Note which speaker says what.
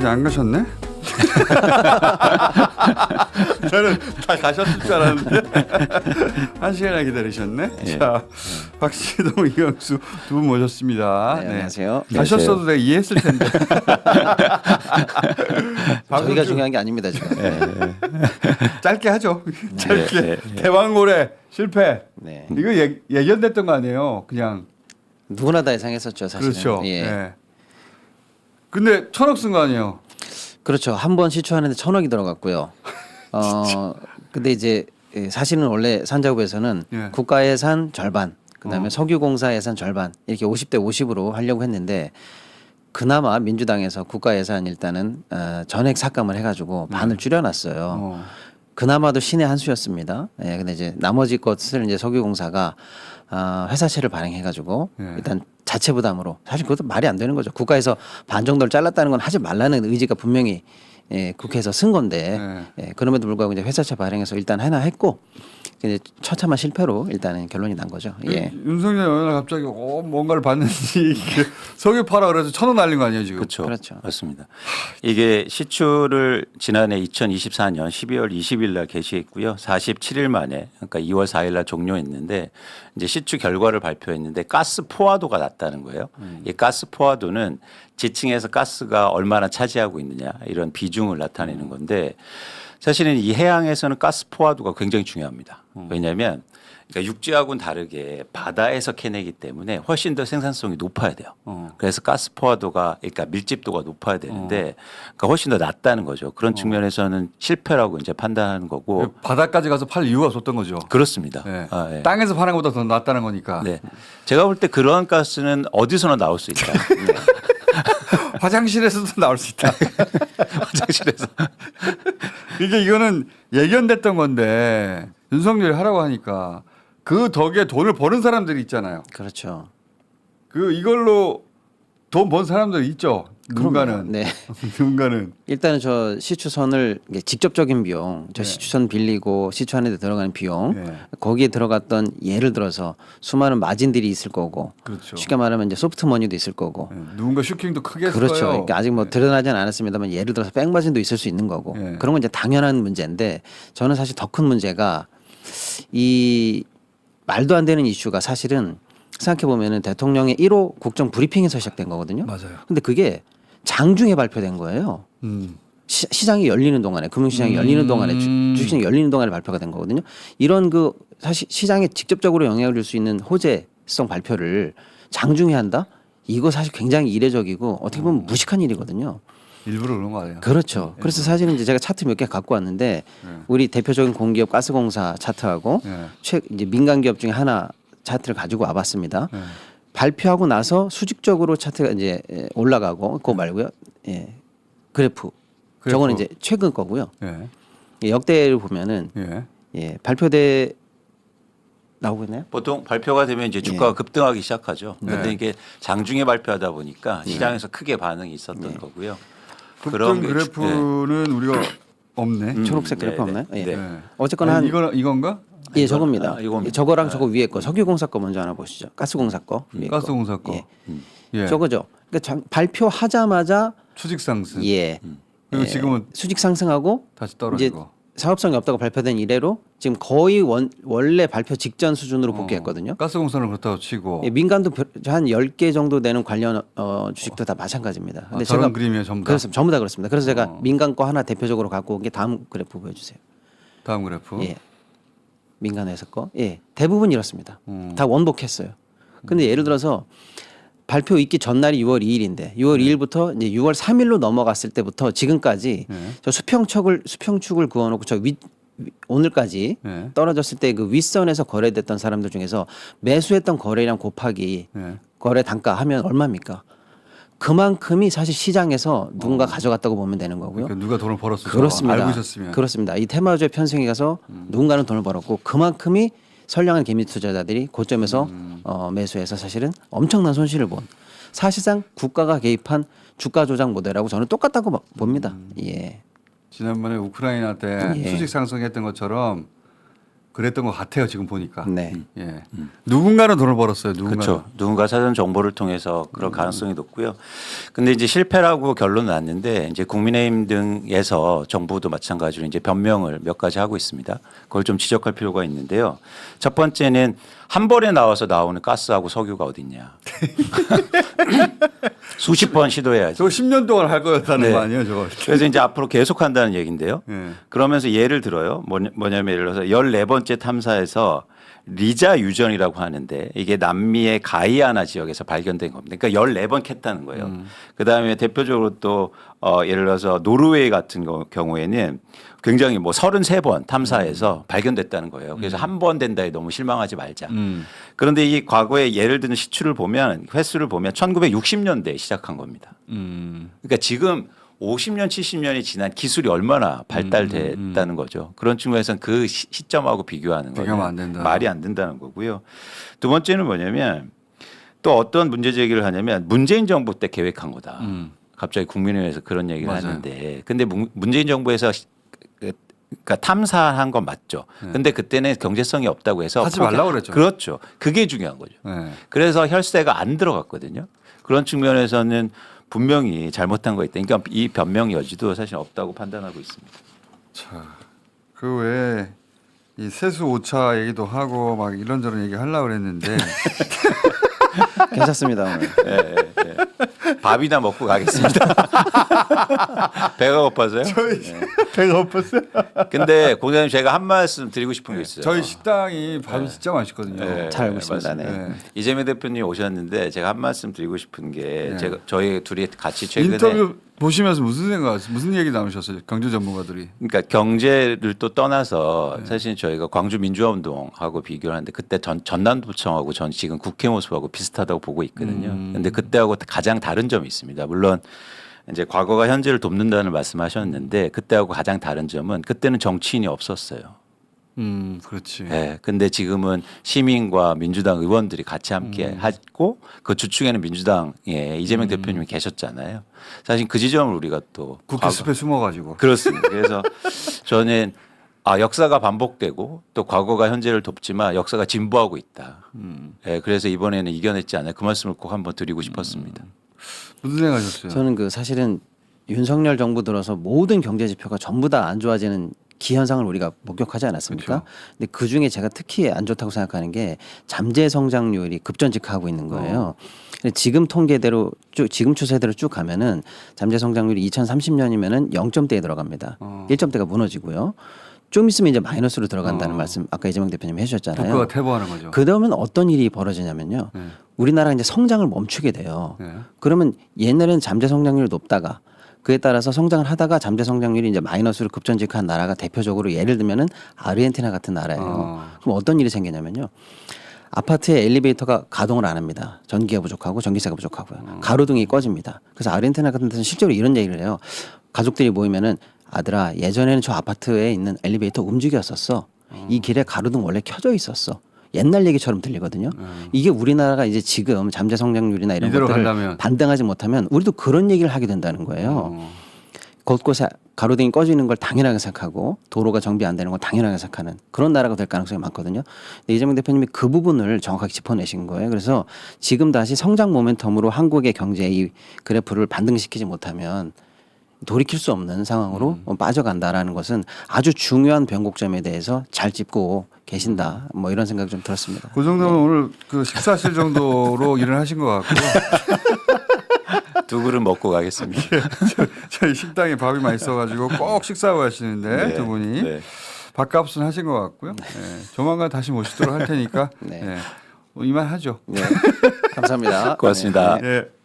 Speaker 1: 안 가셨네? 저는 다 가셨을 줄 알았는데 1시간이나 기다리셨네.
Speaker 2: 예.
Speaker 1: 자, 박시동, 이영수 두 분 모셨습니다.
Speaker 3: 네, 안녕하세요.
Speaker 1: 가셨어도 내가 이해했을 텐데.
Speaker 3: 저희가 중요한 게 아닙니다 지금.
Speaker 1: 짧게 하죠. 짧게.
Speaker 2: 네.
Speaker 1: 대왕고래 실패.
Speaker 3: 네.
Speaker 1: 이거 예견됐던 거 아니에요? 그냥.
Speaker 3: 누구나 다 예상했었죠 사실은.
Speaker 1: 그렇죠.
Speaker 3: 예.
Speaker 1: 네. 근데 1,000억 쓴 거 아니에요?
Speaker 3: 그렇죠. 한 번 시추하는데 1,000억이 들어갔고요. 근데 이제 사실은 원래 산자부에서는
Speaker 1: 예.
Speaker 3: 국가 예산 절반, 그다음에 석유공사 예산 절반 이렇게 50대 50으로 하려고 했는데 그나마 민주당에서 국가 예산 일단은 전액 삭감을 해가지고 반을 줄여놨어요. 그나마도 신의 한 수였습니다. 예, 근데 이제 나머지 것을 이제 석유공사가 회사채를 발행해가지고
Speaker 1: 예.
Speaker 3: 일단 자체 부담으로 사실 그것도 말이 안 되는 거죠. 국가에서 반 정도를 잘랐다는 건 하지 말라는 의지가 분명히 국회에서 쓴 건데 그럼에도 불구하고 이제 회사채 발행해서 일단 하나 했고 이제 처참한 실패로 일단은 결론이 난 거죠. 예.
Speaker 1: 윤석열 어느 날 갑자기 뭔가를 봤는지 석유 팔아 그래서 1,000원 날린 거 아니에요 지금?
Speaker 2: 그렇죠.
Speaker 3: 그렇죠.
Speaker 2: 맞습니다. 이게 시추를 지난해 2024년 12월 20일 날 개시했고요. 47일 만에 그러니까 2월 4일 날 종료했는데 이제 시추 결과를 발표했는데 가스 포화도가 낮다는 거예요. 이 가스 포화도는 지층에서 가스가 얼마나 차지하고 있느냐 이런 비중을 나타내는 건데 사실은 이 해양에서는 가스 포화도가 굉장히 중요합니다. 왜냐하면 그러니까 육지하고는 다르게 바다에서 캐내기 때문에 훨씬 더 생산성이 높아야 돼요. 그래서 가스 포화도가 그러니까 밀집도가 높아야 되는데 그러니까 훨씬 더 낮다는 거죠. 그런 측면에서는 실패라고 이제 판단하는 거고.
Speaker 1: 바다까지 가서 팔 이유가 없었던 거죠.
Speaker 2: 그렇습니다.
Speaker 1: 네.
Speaker 2: 아, 예.
Speaker 1: 땅에서 파는 것보다 더 낫다는 거니까.
Speaker 2: 네. 제가 볼 때 그런 가스는 어디서나 나올 수 있다. 네.
Speaker 1: 화장실에서도 나올 수 있다.
Speaker 2: 화장실에서.
Speaker 1: 이거는 예견됐던 건데 윤석열이 하라고 하니까 그 덕에 돈을 버는 사람들이 있잖아요.
Speaker 3: 그렇죠.
Speaker 1: 이걸로 돈 번 사람들 있죠. 누군가는.
Speaker 3: 네.
Speaker 1: 누군가는.
Speaker 3: 일단은 저 시추선을 이게 직접적인 비용, 저
Speaker 1: 네.
Speaker 3: 시추선 빌리고 시추하는 데 들어가는 비용,
Speaker 1: 네.
Speaker 3: 거기에 들어갔던 예를 들어서 수많은 마진들이 있을 거고,
Speaker 1: 그렇죠.
Speaker 3: 쉽게 말하면 이제 소프트머니도 있을 거고,
Speaker 1: 누군가 슈킹도 크게 했어요.
Speaker 3: 그렇죠. 그러니까 아직 뭐 드러나지는 않았습니다만 예를 들어서 백마진도 있을 수 있는 거고,
Speaker 1: 네.
Speaker 3: 그런 건 이제 당연한 문제인데 저는 사실 더 큰 문제가 이 말도 안 되는 이슈가 사실은 생각해 보면은 대통령의 1호 국정 브리핑에서 시작된 거거든요.
Speaker 1: 맞아요.
Speaker 3: 근데 그게 장중에 발표된 거예요. 시장이 열리는 동안에 금융시장이 열리는 동안에 주식시장이 열리는 동안에 발표가 된 거거든요. 이런 그 사실 시장에 직접적으로 영향을 줄 수 있는 호재성 발표를 장중에 한다? 이거 사실 굉장히 이례적이고 어떻게 보면 무식한 일이거든요.
Speaker 1: 일부러 그런 거 아니에요?
Speaker 3: 그렇죠. 그래서 사실은 이제 제가 차트 몇 개 갖고 왔는데 우리 대표적인 공기업 가스공사 차트하고 이제 민간 기업 중에 하나 차트를 가지고 와봤습니다. 발표하고 나서 수직적으로 차트가 이제 올라가고 그거 말고요. 예. 그래프. 저거는 이제 최근 거고요.
Speaker 1: 예.
Speaker 3: 예, 역대를 보면은
Speaker 1: 예.
Speaker 3: 예, 발표대 나오고 있나요?
Speaker 2: 보통 발표가 되면 이제 주가가 급등하기 시작하죠. 그런데
Speaker 1: 네.
Speaker 2: 이게 장중에 발표하다 보니까 시장에서 크게 반응이 있었던 거고요.
Speaker 1: 급등
Speaker 2: 게-
Speaker 1: 그래프는 우리가 없네.
Speaker 3: 초록색 그래프
Speaker 2: 네,
Speaker 3: 없나요?
Speaker 2: 네.
Speaker 3: 예.
Speaker 1: 네.
Speaker 3: 어쨌거나 한
Speaker 1: 이건가?
Speaker 3: 예, 저겁니다.
Speaker 2: 이겁니다.
Speaker 3: 저거랑 저거 위에 거 석유공사 거 먼저 하나 보시죠. 가스공사 거. 위에 거.
Speaker 1: 가스공사 거.
Speaker 3: 예.
Speaker 1: 예.
Speaker 3: 저거죠. 그러니까 발표하자마자
Speaker 1: 추직 상승.
Speaker 3: 예.
Speaker 1: 그리고
Speaker 3: 예.
Speaker 1: 지금은
Speaker 3: 수직 상승하고
Speaker 1: 다시
Speaker 3: 이제
Speaker 1: 떨어지고.
Speaker 3: 사업성이 없다고 발표된 이래로 지금 거의 원래 발표 직전 수준으로 복귀했거든요.
Speaker 1: 가스공사는 그렇다고 치고.
Speaker 3: 예, 민간도 한 10개 정도 되는 관련 주식도 다 마찬가지입니다. 근데
Speaker 1: 저런 그림이에요, 전부 다.
Speaker 3: 그렇습니다. 전부 다 그렇습니다. 그래서 제가 민간 거 하나 대표적으로 갖고 온 게 다음 그래프 보여주세요.
Speaker 1: 다음 그래프.
Speaker 3: 예. 민간 회사 거. 예. 대부분 이렇습니다.
Speaker 1: 음.
Speaker 3: 다 원복했어요. 근데 예를 들어서 발표 있기 전날이 6월 2일인데 6월 2일부터 이제 6월 3일로 넘어갔을 때부터 지금까지 저 수평축을 그어놓고 저 오늘까지
Speaker 1: 네.
Speaker 3: 떨어졌을 때 그 윗선에서 거래됐던 사람들 중에서 매수했던 거래량 곱하기
Speaker 1: 네.
Speaker 3: 거래 단가 하면 얼마입니까? 그만큼이 사실 시장에서 누군가 가져갔다고 보면 되는 거고요.
Speaker 1: 그러니까 누가 돈을 벌었을까?
Speaker 3: 그렇습니다.
Speaker 1: 알고 있었으면.
Speaker 3: 그렇습니다. 이 테마주의 편승에 가서 누군가는 돈을 벌었고 그만큼이 선량한 개미 투자자들이 고점에서 매수해서 사실은 엄청난 손실을 본 사실상 국가가 개입한 주가 조작 모델하고 저는 똑같다고 봅니다. 예.
Speaker 1: 지난번에 우크라이나 때
Speaker 3: 예.
Speaker 1: 수직 상승했던 것처럼 그랬던 것 같아요. 지금 보니까.
Speaker 3: 네.
Speaker 1: 예. 누군가는 돈을 벌었어요. 누군가.
Speaker 2: 그렇죠. 누군가 사전 정보를 통해서 그럴 가능성이 높고요. 근데 이제 실패라고 결론 났는데 이제 국민의힘 등에서 정부도 마찬가지로 이제 변명을 몇 가지 하고 있습니다. 그걸 좀 지적할 필요가 있는데요. 첫 번째는 한 번에 나와서 나오는 가스하고 석유가 어딨냐. 수십 번 시도해야지.
Speaker 1: 저거 10년 동안 할 거였다는
Speaker 2: 네.
Speaker 1: 거 아니에요, 저거?
Speaker 2: 그래서 이제 앞으로 계속 한다는 얘기인데요.
Speaker 1: 예.
Speaker 2: 그러면서 예를 들어요. 뭐냐면 예를 들어서 14번째 탐사에서 리자 유전이라고 하는데 이게 남미의 가이아나 지역에서 발견된 겁니다. 그러니까 14번 캤다는 거예요. 그다음에 대표적으로 또 예를 들어서 노르웨이 같은 경우에는 굉장히 뭐 33번 탐사에서 발견됐다는 거예요. 그래서 한 번 된다에 너무 실망하지 말자. 그런데 이 과거에 예를 드는 시추를 보면 횟수를 보면 1960년대에 시작한 겁니다. 그러니까 지금 50년, 70년이 지난 기술이 얼마나 발달됐다는 거죠. 그런 측면에서는 그 시점하고 비교하는
Speaker 1: 비교하면
Speaker 2: 거는
Speaker 1: 안 된다.
Speaker 2: 말이 안 된다는 거고요. 두 번째는 뭐냐면 또 어떤 문제 제기를 하냐면 문재인 정부 때 계획한 거다. 갑자기 국민의회에서 그런 얘기를
Speaker 1: 맞아요.
Speaker 2: 하는데 근데 문재인 정부에서 그러니까 탐사한 건 맞죠. 근데 그때는 경제성이 없다고 해서
Speaker 1: 하지 말라고 그랬죠.
Speaker 2: 그렇죠. 그게 중요한 거죠.
Speaker 1: 예.
Speaker 2: 그래서 혈세가 안 들어갔거든요. 그런 측면에서는 분명히 잘못한 거 있다. 그러니까 이 변명 여지도 사실 없다고 판단하고 있습니다.
Speaker 1: 자, 그 외에 이 세수 오차 얘기도 하고 막 이런저런 얘기 하려고 그랬는데
Speaker 3: 괜찮습니다. 오늘.
Speaker 2: 밥이나 먹고 가겠습니다. 배가 고파서요?
Speaker 1: 배가 고팠어요.
Speaker 2: 근데 공장님 제가 한 말씀 드리고 싶은 게 있어요.
Speaker 1: 저희 식당이 밥이 진짜 맛있거든요.
Speaker 2: 네,
Speaker 3: 잘 알고 있습니다.
Speaker 2: 맞습니다.
Speaker 3: 네.
Speaker 1: 네.
Speaker 2: 이재명 대표님 오셨는데 제가 한 말씀 드리고 싶은 게 제가 저희 둘이 같이 최근에
Speaker 1: 인터뷰 보시면서 무슨 생각하세요? 무슨 얘기 나누셨어요? 경제 전문가들이.
Speaker 2: 그러니까 경제를 또 떠나서 사실 저희가 광주 민주화 운동하고 비교를 하는데 그때 전남도청하고 전 지금 국회 모습하고 비슷하다고 보고 있거든요. 근데 그때하고 가장 다른 점이 있습니다. 물론 이제 과거가 현재를 돕는다는 말씀하셨는데 그때하고 가장 다른 점은 그때는 정치인이 없었어요.
Speaker 1: 그렇지.
Speaker 2: 네, 근데 지금은 시민과 민주당 의원들이 같이 함께 하고 그 주축에는 민주당의 이재명 대표님이 계셨잖아요. 사실 그 지점을 우리가 또
Speaker 1: 국회 숲에 숨어가지고.
Speaker 2: 그렇습니다. 그래서 저는 역사가 반복되고 또 과거가 현재를 돕지만 역사가 진보하고 있다. 네, 그래서 이번에는 이겨냈지 않아요. 그 말씀을 꼭 한번 드리고 싶었습니다.
Speaker 1: 무슨 생각하셨어요?
Speaker 3: 저는 그 사실은 윤석열 정부 들어서 모든 경제 지표가 전부 다 안 좋아지는 기현상을 우리가 목격하지 않았습니까? 근데 그 중에 제가 특히 안 좋다고 생각하는 게 잠재 성장률이 급전직하고 있는 거예요. 근데 지금 통계대로 지금 추세대로 쭉 가면은 잠재 성장률이 2030년이면은 0점대에 들어갑니다. 1점대가 무너지고요. 좀 있으면 이제 마이너스로 들어간다는 말씀 아까 이재명 대표님 해주셨잖아요.
Speaker 1: 국가가 퇴보하는 거죠.
Speaker 3: 그러면 어떤 일이 벌어지냐면요. 우리나라가 이제 성장을 멈추게 돼요.
Speaker 1: 네.
Speaker 3: 그러면 옛날에는 잠재 성장률이 높다가 그에 따라서 성장을 하다가 잠재 성장률이 이제 마이너스로 급전직한 나라가 대표적으로 예를 들면은 아르헨티나 같은 나라예요. 그럼 어떤 일이 생기냐면요. 아파트에 엘리베이터가 가동을 안 합니다. 전기가 부족하고 전기세가 부족하고요. 가로등이 꺼집니다. 그래서 아르헨티나 같은 데서는 실제로 이런 얘기를 해요. 가족들이 모이면은 아들아 예전에는 저 아파트에 있는 엘리베이터 움직였었어. 이 길에 가로등 원래 켜져 있었어. 옛날 얘기처럼 들리거든요. 이게 우리나라가 이제 지금 잠재 성장률이나 이런
Speaker 1: 이대로
Speaker 3: 것들을
Speaker 1: 간다면.
Speaker 3: 반등하지 못하면 우리도 그런 얘기를 하게 된다는 거예요. 곳곳에 가로등이 꺼지는 걸 당연하게 생각하고 도로가 정비 안 되는 걸 당연하게 생각하는 그런 나라가 될 가능성이 많거든요. 근데 이재명 대표님이 그 부분을 정확하게 짚어내신 거예요. 그래서 지금 다시 성장 모멘텀으로 한국의 경제의 이 그래프를 반등시키지 못하면 돌이킬 수 없는 상황으로 빠져간다라는 것은 아주 중요한 변곡점에 대해서 잘 짚고 계신다. 뭐 이런 생각이 좀 들었습니다.
Speaker 1: 그 정도면 오늘 그 식사하실 정도로 일을 하신 것 같고요.
Speaker 2: 두 그릇 먹고 가겠습니다.
Speaker 1: 저희 식당에 밥이 맛있어가지고 꼭 식사하고 가시는데
Speaker 2: 네,
Speaker 1: 두 분이
Speaker 2: 네.
Speaker 1: 밥값은 하신 것 같고요. 네. 조만간 다시 모시도록 할 테니까
Speaker 3: 네.
Speaker 1: 네. 이만 하죠.
Speaker 3: 네. 감사합니다.
Speaker 2: 고맙습니다.
Speaker 1: 네.